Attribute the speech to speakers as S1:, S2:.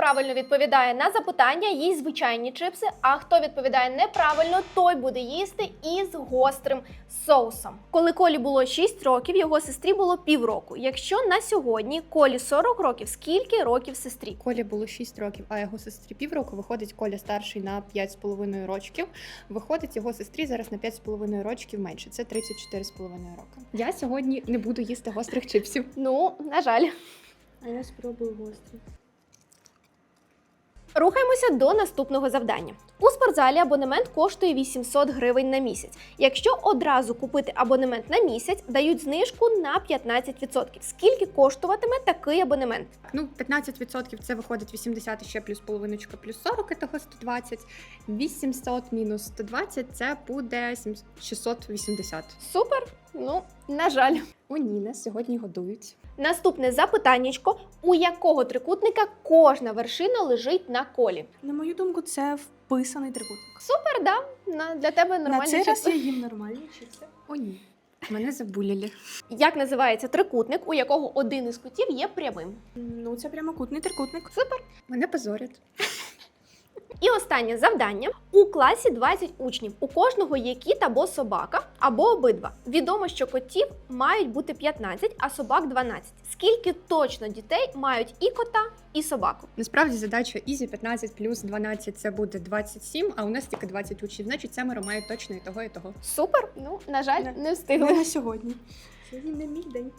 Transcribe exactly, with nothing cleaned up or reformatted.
S1: правильно відповідає на запитання, їсть звичайні чипси, а хто відповідає неправильно, той буде їсти із гострим соусом. Коли Колі було шість років, його сестрі було півроку. Якщо на сьогодні Колі сорок років, скільки років сестрі?
S2: Колі було шість років, а його сестрі півроку. Виходить, Коля старший на п'ять з половиною років. Виходить, його сестрі зараз на п'ять з половиною років менше. Це тридцять чотири з половиною роки. Я сьогодні не буду їсти гострих чипсів.
S1: Ну, на жаль.
S3: А я спробую гострий.
S1: Рухаємося до наступного завдання. У спортзалі абонемент коштує вісімсот гривень на місяць. Якщо одразу купити абонемент на місяць, дають знижку на п'ятнадцять відсотків. Скільки коштуватиме такий абонемент?
S2: Ну, п'ятнадцять відсотків це виходить вісімдесят, ще плюс половиночка, плюс сорок, того сто двадцять. вісімсот мінус сто двадцять це буде шістсот вісімдесят.
S1: Супер? Ну, на жаль.
S2: О, ні, нас сьогодні годують.
S1: Наступне запитаннячко. У якого трикутника кожна вершина лежить на колі?
S3: На мою думку, це вписаний трикутник.
S1: Супер, да? На, для тебе
S3: На
S1: нормальні
S3: цей раз
S1: чипси.
S3: я їм нормальні чипси.
S2: О, ні. Мене забуляли.
S1: Як називається трикутник, у якого один із кутів є прямим?
S3: Ну, це прямокутний трикутник.
S1: Супер.
S2: Мене позорять.
S1: І останнє завдання. У класі двадцять учнів. У кожного є кіт або собака, або обидва. Відомо, що котів мають бути п'ятнадцять, а собак дванадцять. Скільки точно дітей мають і кота, і собаку?
S2: Насправді задача ізі, п'ятнадцять плюс дванадцять це буде двадцять сім, а у нас тільки двадцять учнів. Значить, семеро мають точно і того, і того.
S1: Супер. Ну, на жаль,
S3: Не.
S1: не
S3: Не
S1: встигли.
S3: на сьогодні. Сьогодні не мій день.